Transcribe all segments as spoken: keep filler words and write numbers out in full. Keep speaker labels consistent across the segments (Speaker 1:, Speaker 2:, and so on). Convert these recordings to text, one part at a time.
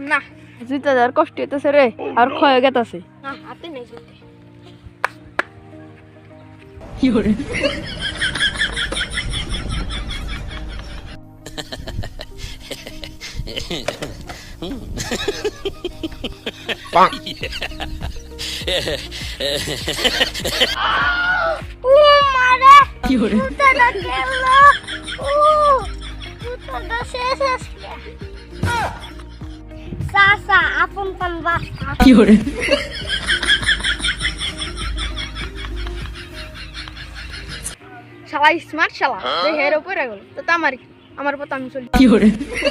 Speaker 1: না
Speaker 2: জুতা যার কষ্ট হইতেছে রে আর ক্ষয় গেতাছে
Speaker 1: না হাতে নেই জুতে
Speaker 2: কি করে
Speaker 1: ও মারে
Speaker 2: কি করে
Speaker 1: জুতাটা গেল ও জুতাটা শেষ আসলে সাসা আপন পান বাস্তা
Speaker 2: কি করে
Speaker 1: শালা স্মার্ট শালা যে হের উপরে গেল তো তামারি আমার পথ আমি চলি
Speaker 2: কি করে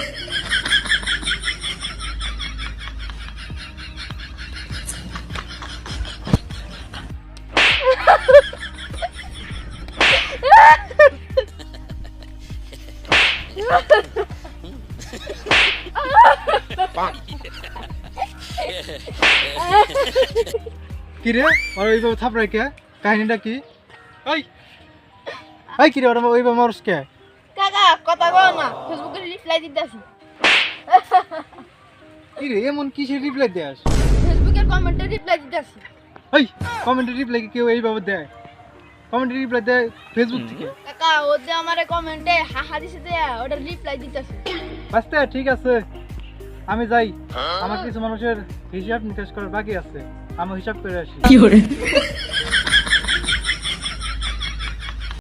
Speaker 3: কি রে আর ওইভাবে থাপড়াই কে কাহিনীটা কি এই এই কি রে ওরা ওইভাবে মারস কে
Speaker 1: কাকা কথা কও না ফেসবুকে রিপ্লাই দিতেছি
Speaker 3: কি রে এমন কিসের রিপ্লাই দেস
Speaker 1: ফেসবুকের কমেন্টে রিপ্লাই দিতেছি
Speaker 3: এই কমেন্টে রিপ্লাই কি কেউ এইভাবে দেয় কমেন্টে রিপ্লাই দেয় ফেসবুক থেকে
Speaker 1: কাকা ও যে আমারে কমেন্টে হাহা দিছে দে ওটা রিপ্লাই দিতেছি
Speaker 3: আচ্ছা ঠিক আছে আমি যাই আমার কিছু মানুষের হিসাব নিকাশ করার বাকি আছে আমি হিসাব করে আসি
Speaker 2: কি করে